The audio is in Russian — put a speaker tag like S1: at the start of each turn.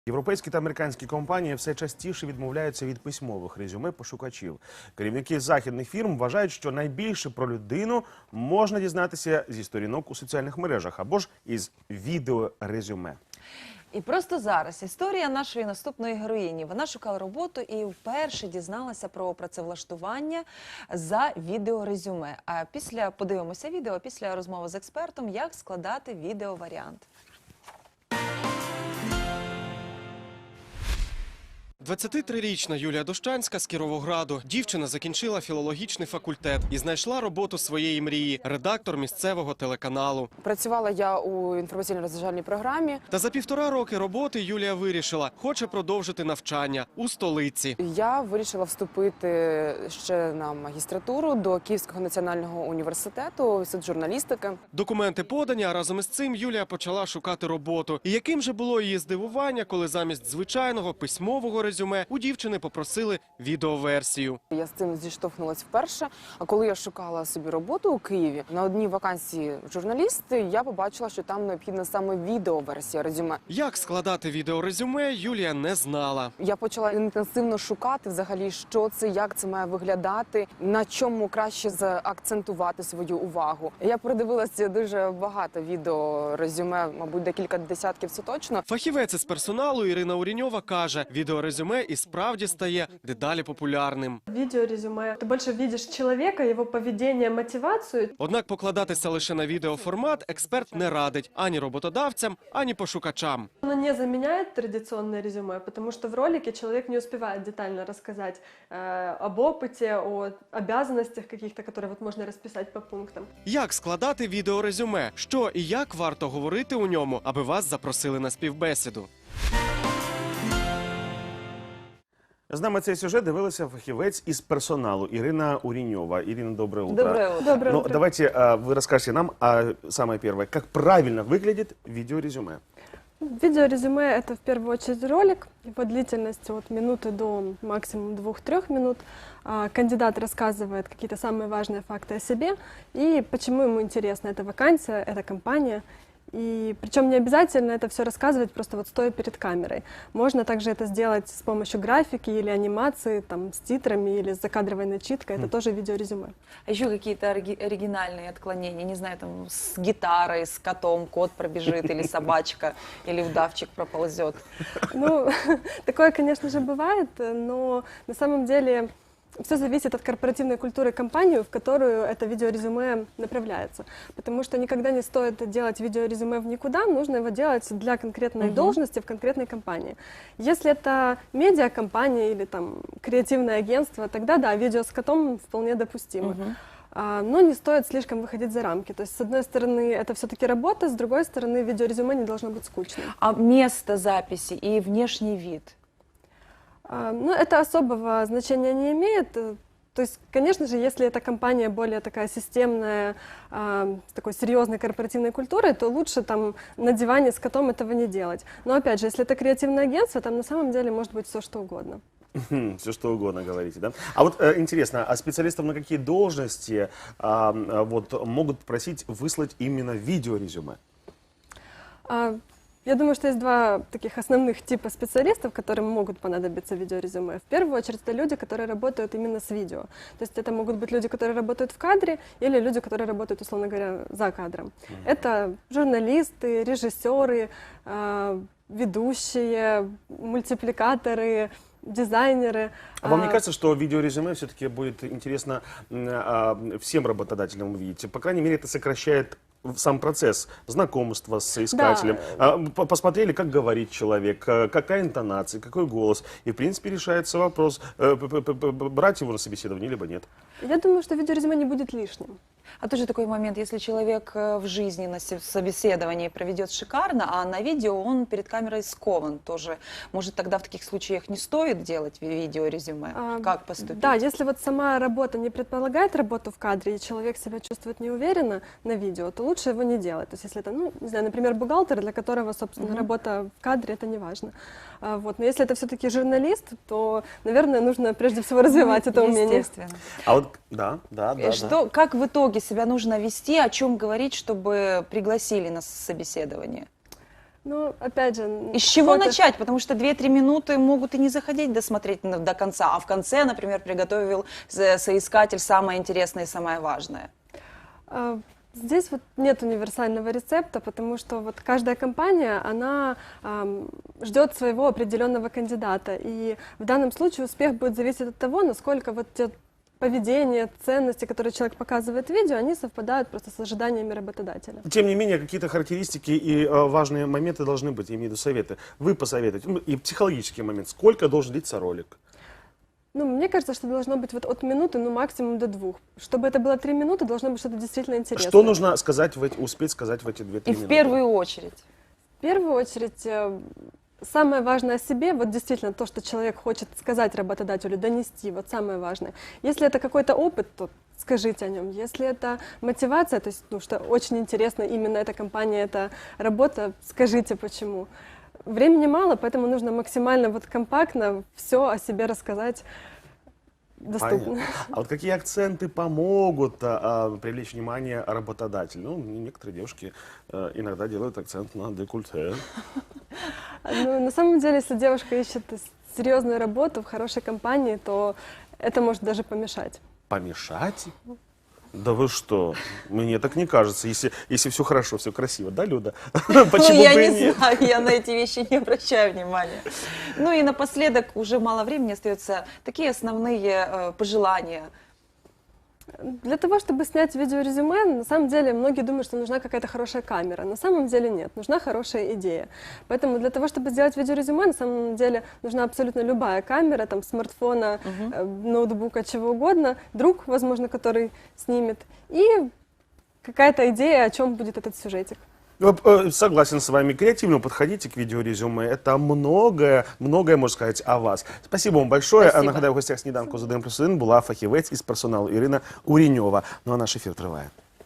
S1: Європейські та американські компанії все частіше відмовляються від письмових резюме пошукачів. Керівники західних фірм вважають, що найбільше про людину можна дізнатися зі сторінок у соціальних мережах або ж із відеорезюме.
S2: І просто зараз історія нашої наступної героїні. Вона шукала роботу і вперше дізналася про працевлаштування за відеорезюме. А подивимося відео після розмови з експертом, як складати відеоваріант.
S3: 23-річна Юлія Дощанська з Кіровограду. Дівчина закінчила філологічний факультет і знайшла роботу своєї мрії – редактор місцевого телеканалу.
S4: Працювала я у інформаційно-розважальній програмі.
S3: Та за 1,5 роки роботи Юлія вирішила – хоче продовжити навчання у столиці.
S4: Я вирішила вступити ще на магістратуру до Київського національного університету, інститут журналістики.
S3: Документи подані, а разом із цим Юлія почала шукати роботу. І яким же було її здивування, коли замість звичайного письмового резюме у дівчини попросили відеоверсію.
S4: Я з цим зіштовхнулася вперше, а коли я шукала собі роботу у Києві, на одній вакансії журналісти, я побачила, що там необхідна саме відеоверсія резюме.
S3: Як складати відеорезюме, Юлія не знала.
S4: Я почала інтенсивно шукати взагалі, що це, як це має виглядати, на чому краще заакцентувати свою увагу. Я продивилася дуже багато відеорезюме, мабуть, декілька десятків, це точно.
S3: Фахівець із персоналу Ірина Уріньова каже, відеорезюме і справді стає дедалі популярним.
S5: Видеорезюме. Ты больше видишь человека, его поведение, мотивацию.
S3: Однак покладатися лише на відеоформат експерт не радить ані роботодавцям, ані пошукачам.
S5: Оно не заменяет традиционное резюме, потому что в ролике человек не успевает детально рассказать об опыте, о обязанностях каких-то, которые вот можно расписать по пунктам.
S3: Як складати відеорезюме? Що і як варто говорити у ньому, аби вас запросили на співбесіду?
S1: З нами цей сюжет дивилася фахівець із персоналу Ирина Уринева. Ирина, доброе утро.
S2: Доброе утро.
S5: Доброе утро.
S1: Давайте вы расскажете нам, самое первое, как правильно выглядит видеорезюме.
S5: Видеорезюме – это в первую очередь ролик. Его длительность от минуты до максимум 2-3 минут. Кандидат рассказывает какие-то самые важные факты о себе и почему ему интересна эта вакансия, эта компания. И причем не обязательно это все рассказывать просто вот стоя перед камерой. Можно также это сделать с помощью графики или анимации, там, с титрами или с закадровой начиткой. Это тоже видеорезюме.
S2: А еще какие-то оригинальные отклонения, не знаю, там с гитарой, с котом, кот пробежит, или собачка, или удавчик проползет.
S5: Ну, такое, конечно же, бывает, но на самом деле все зависит от корпоративной культуры компании, в которую это видеорезюме направляется. Потому что никогда не стоит делать видеорезюме в никуда, нужно его делать для конкретной должности в конкретной компании. Если это медиакомпания или там креативное агентство, тогда да, видео с котом вполне допустимо. Но не стоит слишком выходить за рамки. То есть, с одной стороны, это все-таки работа, с другой стороны, видеорезюме не должно быть скучным.
S2: А место записи и внешний вид?
S5: Ну, это особого значения не имеет. То есть, конечно же, если эта компания более такая системная, с такой серьезной корпоративной культурой, то лучше там на диване с котом этого не делать. Но опять же, если это креативное агентство, там на самом деле может быть все что угодно.
S1: Все что угодно говорите, да? А вот интересно, а специалистов на какие должности вот, могут просить выслать именно видеорезюме?
S5: Я думаю, что есть два таких основных типа специалистов, которым могут понадобиться видеорезюме. В первую очередь, это люди, которые работают именно с видео. То есть это могут быть люди, которые работают в кадре, или люди, которые работают, условно говоря, за кадром. Это журналисты, режиссеры, ведущие, мультипликаторы, дизайнеры.
S1: А вам не кажется, что видеорезюме все-таки будет интересно всем работодателям увидеть? По крайней мере, это сокращает сам процесс знакомства с искателем.
S5: Да.
S1: Посмотрели, как говорит человек, какая интонация, какой голос. И, в принципе, решается вопрос, брать его на собеседование, либо нет.
S5: Я думаю, что видеорезюме не будет лишним.
S2: А тоже такой момент, если человек в жизни на собеседовании проведет шикарно, а на видео он перед камерой скован тоже. Может, тогда в таких случаях не стоит делать видеорезюме? Как поступить?
S5: Да, если вот сама работа не предполагает работу в кадре, и человек себя чувствует неуверенно на видео, то лучше его не делать. То есть если это, ну, не знаю, например, бухгалтер, для которого, собственно, работа в кадре, это не важно. Вот. Но если это все-таки журналист, то, наверное, нужно прежде всего развивать это умение.
S2: Естественно.
S1: А вот, да.
S2: Как в итоге себя нужно вести, о чем говорить, чтобы пригласили на собеседование?
S5: Ну, опять же...
S2: И с чего
S5: фото-
S2: начать? Потому что 2-3 минуты могут и не захотеть досмотреть до конца, а в конце, например, приготовил соискатель самое интересное и самое важное.
S5: Здесь вот нет универсального рецепта, потому что вот каждая компания, она ждет своего определенного кандидата. И в данном случае успех будет зависеть от того, насколько вот те поведение, ценности, которые человек показывает в видео, они совпадают просто с ожиданиями работодателя.
S1: Тем не менее, какие-то характеристики и важные моменты должны быть, я имею в виду советы. Вы посоветуете, и психологический момент, сколько должен длиться ролик?
S5: Ну, мне кажется, что должно быть вот от минуты, ну, максимум до 2. Чтобы это было 3 минуты, должно быть что-то действительно интересное.
S1: Что нужно сказать успеть сказать в эти 2-3
S2: И
S1: минуты?
S2: в первую очередь.
S5: В первую очередь, самое важное о себе, вот действительно то, что человек хочет сказать работодателю, донести, вот самое важное. Если это какой-то опыт, то скажите о нем. Если это мотивация, то есть, ну, что очень интересно, именно эта компания, эта работа, скажите почему. Времени мало, поэтому нужно максимально вот компактно все о себе рассказать доступно.
S1: Понятно. А вот какие акценты помогут привлечь внимание работодателя? Ну, некоторые девушки иногда делают акцент на декольте.
S5: Ну, на самом деле, если девушка ищет серьезную работу в хорошей компании, то это может даже помешать.
S1: Помешать? Да вы что? Мне так не кажется, если все хорошо, все красиво, да, Люда? Почему
S2: Ну, я
S1: бы и
S2: не
S1: нет?
S2: знаю, я на эти вещи не обращаю внимания. Ну и напоследок, уже мало времени остается, такие основные пожелания.
S5: Для того, чтобы снять видеорезюме, на самом деле многие думают, что нужна какая-то хорошая камера. На самом деле нет, нужна хорошая идея. Поэтому для того, чтобы сделать видеорезюме, на самом деле нужна абсолютно любая камера, там, смартфона, ноутбука, чего угодно, друг, возможно, который снимет, и какая-то идея, о чем будет этот сюжетик.
S1: Согласен с вами. Креативно подходите к видеорезюме. Это многое можно сказати о вас. Спасибо вам большое.
S2: Спасибо.
S1: Нагадаю, в гостях сніданку з 1+1 була фахівець із персоналу Ірина Уріньова. Ну а наш ефір триває.